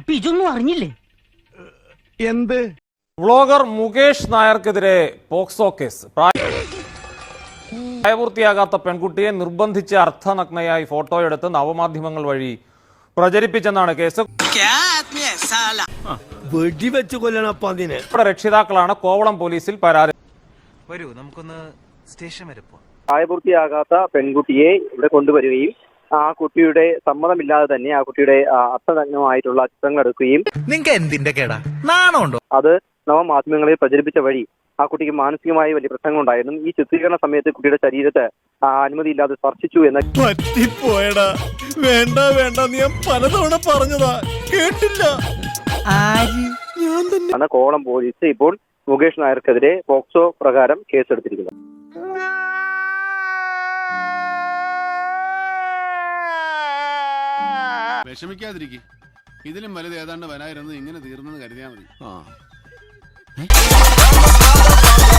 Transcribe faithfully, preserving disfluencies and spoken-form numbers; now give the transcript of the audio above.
അപ്പൊ ഇതൊന്നും അറിഞ്ഞില്ലേ? എന്ത്? വ്ളോഗർ മുകേഷ് നായർക്കെതിരെ പോക്സോ കേസ്. പ്രായപൂർത്തിയാകാത്ത പെൺകുട്ടിയെ നിർബന്ധിച്ച് അർദ്ധനഗ്നയായി ഫോട്ടോയെടുത്ത് നവമാധ്യമങ്ങൾ വഴി പ്രചരിപ്പിച്ചെന്നാണ് കേസ്. രക്ഷിതാക്കളാണ് കോവളം പോലീസിൽ പരാതി. വരൂ, നമുക്കൊന്ന് സ്റ്റേഷൻ വരെ പോവാം. പ്രായപൂർത്തിയാകാത്ത പെൺകുട്ടിയെ ഇവിടെ കൊണ്ടുവരികയും ആ കുട്ടിയുടെ സമ്മതമില്ലാതെ തന്നെ ആ കുട്ടിയുടെ അർത്ഥനഗ്നമായിട്ടുള്ള ചിത്രങ്ങൾ എടുക്കുകയും നിങ്ങൾക്ക് എന്തിന്റെ കേടാ, നാണമുണ്ടോ? അത് നവമാധ്യമങ്ങളിൽ പ്രചരിപ്പിച്ച വഴി ആ കുട്ടിക്ക് മാനസികമായി വലിയ പ്രശ്നങ്ങളുണ്ടായിരുന്നു. ഈ ചിത്രീകരണ സമയത്ത് കുട്ടിയുടെ ശരീരത്തെ അനുമതിയില്ലാതെ സ്പർശിച്ചു എന്ന് പറ്റിപ്പോയടാ. വേണ്ട വേണ്ട, നീ പലതവണ പറഞ്ഞതാ, കേട്ടില്ല. ആണ് കോവളം പോലീസ് ഇപ്പോൾ മുകേഷ് നായർക്കെതിരെ പോക്സോ പ്രകാരം കേസെടുത്തിരിക്കുന്നത്. വിഷമിക്കാതിരിക്കും. ഇതിലും വലുത് ഏതാണ്ട് വരായിരുന്നത് ഇങ്ങനെ തീർന്നെന്ന് കരുതിയാൽ മതി.